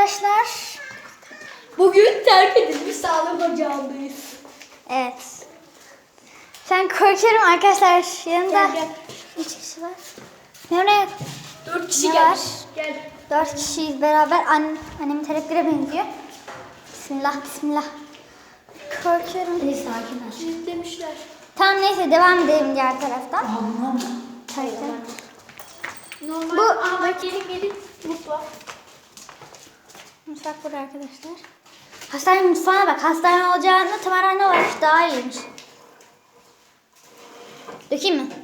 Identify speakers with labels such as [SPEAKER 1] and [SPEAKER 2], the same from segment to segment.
[SPEAKER 1] arkadaşlar.
[SPEAKER 2] Bugün terk edilmiş sağlık ocağındayız.
[SPEAKER 1] Evet. Ben korkuyorum arkadaşlar. Yanımda
[SPEAKER 2] Gel.
[SPEAKER 1] 3 kişi var. Nereye?
[SPEAKER 2] 4 kişi
[SPEAKER 1] Ne
[SPEAKER 2] gel.
[SPEAKER 1] var?
[SPEAKER 2] Gel.
[SPEAKER 1] 4 kişiyiz beraber. Annemin teleklere benziyor. Bismillah bismillah. Korkuyorum.
[SPEAKER 3] Sakin ol.
[SPEAKER 2] Siz demişler.
[SPEAKER 1] Tamam neyse devam edelim diğer taraftan.
[SPEAKER 3] Tamam.
[SPEAKER 1] Tabii.
[SPEAKER 2] Normal.
[SPEAKER 1] Bu-
[SPEAKER 2] Aa bak gelin. Mutfak.
[SPEAKER 1] Mutfak burada arkadaşlar. Hastane mutfağına bak. Hastane olacağını tımarhane olarak daha iyiymiş. Dökeyim mi?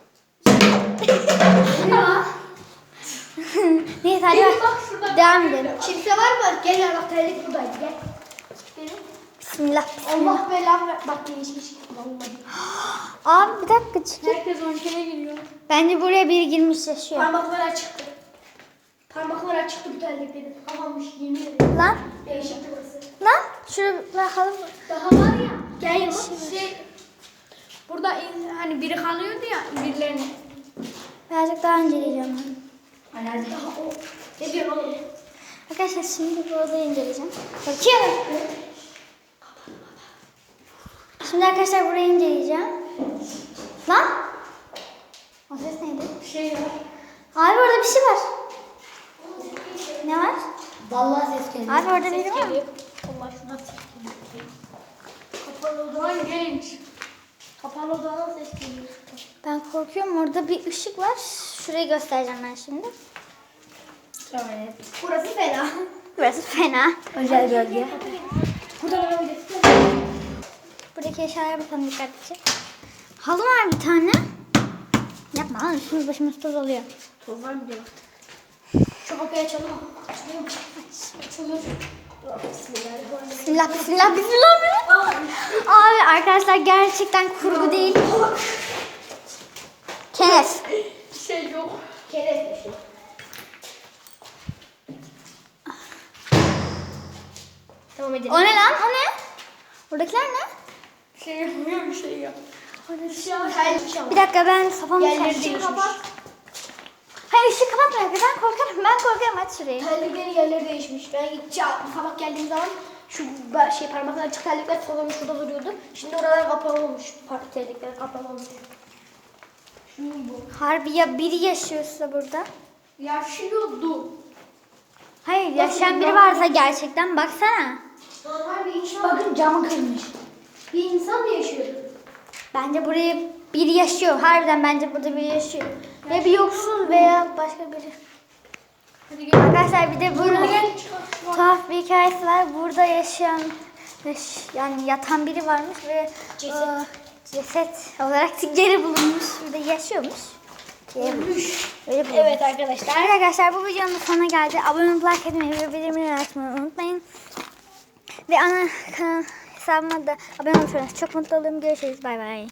[SPEAKER 1] Neyse hadi
[SPEAKER 2] Gelin
[SPEAKER 1] bak.
[SPEAKER 2] bak şurada.
[SPEAKER 1] Devam edelim.
[SPEAKER 2] Kimse var mı? Gel ya bak terlik buradaydı gel. Gelin.
[SPEAKER 1] Bismillah. Bismillah.
[SPEAKER 2] Allah belanı ver. Bak değişmiş. Vallahi.
[SPEAKER 1] Abi bir dakika çıkın.
[SPEAKER 2] Herkes 10 kere giriyor.
[SPEAKER 1] Bence buraya biri girmiş yaşıyor.
[SPEAKER 2] Parmaklar açıktı. Parmaklar açıktı bu terliklerin. Kapanmış yemin ederim.
[SPEAKER 1] Lan.
[SPEAKER 2] Değişik burası.
[SPEAKER 1] Lan. Şuraya bakalım.
[SPEAKER 2] Daha var ya. Gel ya. Burada hani biri kalıyordu ya birilerini.
[SPEAKER 1] Birazcık daha inceleyeceğim ben.
[SPEAKER 3] Alerji.
[SPEAKER 2] Daha o. Ne diyorsun oğlum?
[SPEAKER 1] Arkadaşlar şimdi bu odayı inceleyeceğim. Bakıyorum. Şimdi arkadaşlar burayı inceleyeceğim. Lan. O ses neydi?
[SPEAKER 2] Şey var.
[SPEAKER 1] Abi orada bir şey var. Ne var?
[SPEAKER 3] Vallahi ses geliyor.
[SPEAKER 1] Abi orada biri var mı?
[SPEAKER 2] Geliyor. Allah şuna ses geliyor. Kapalı odadan genç. Kapalı odadan ses geliyor.
[SPEAKER 1] Ben korkuyorum. Orada bir ışık var. Şurayı göstereceğim ben şimdi.
[SPEAKER 3] Evet.
[SPEAKER 2] Burası fena.
[SPEAKER 1] Burası fena.
[SPEAKER 3] Özel bölge.
[SPEAKER 2] Burada da böyle.
[SPEAKER 1] Buradaki eşyalara bakalım dikkatlice. Halı var bir tane. Yapma lan üstümüz başımız toz oluyor.
[SPEAKER 2] Toz var mı diyor. Şu kapıyı açalım. Açılıyor mu? Açılıyor. Bismillahirrahmanirrahim.
[SPEAKER 1] Bismillah bismillah bismillah. Abi arkadaşlar gerçekten kurgu değil. Kenes.
[SPEAKER 2] Şey yok. Kerem bir şey. Tamam edelim.
[SPEAKER 1] O ne lan? O ne? Buradakiler ne?
[SPEAKER 2] Şey yapmıyor bir şey yok.
[SPEAKER 1] Orada
[SPEAKER 2] Bir şey var. Hayır bir şey var.
[SPEAKER 1] Bir dakika ben kafamı
[SPEAKER 2] Yerleri
[SPEAKER 1] çarptım.
[SPEAKER 2] değişmiş.
[SPEAKER 1] Hayır ışığı kapatma ya. Ben korkarım. Ben korkarım. Aç şurayı.
[SPEAKER 2] Terliklerin yerleri değişmiş. Ben sabah geldiğim zaman şu parmaklar açık terlikler salonun şurada duruyordu. Şimdi oralar kapalı olmuş. Terlikler kapalı olmuş. Şu bu.
[SPEAKER 1] Harbi ya biri yaşıyorsa burada.
[SPEAKER 2] Yaşıyordu.
[SPEAKER 1] Hayır yaşayan biri varsa gerçekten baksana.
[SPEAKER 2] Normal bir insan. Bakın camı kırmış. Bir insan mı yaşıyordu?
[SPEAKER 1] Bence buraya biri yaşıyor. Harbiden bence burada biri yaşıyor. Ya bir yoksul veya başka biri.
[SPEAKER 2] Hadi gel.
[SPEAKER 1] Arkadaşlar bir de burada
[SPEAKER 2] Gel.
[SPEAKER 1] tuhaf bir hikayesi var. Burada yaşayan yani yatan biri varmış ve
[SPEAKER 2] Ceset.
[SPEAKER 1] ceset olarak geri bulunmuş. Burada yaşıyormuş. Geri bulunmuş. Öyle bulunmuş.
[SPEAKER 2] Evet arkadaşlar.
[SPEAKER 1] Evet arkadaşlar bu videonun sonuna geldi. Abone olup like etmeyi ve bildirimleri açmayı unutmayın. Ve ana kanal hesabıma da abone olursanız çok mutlu olurum. Görüşürüz. Bay bay.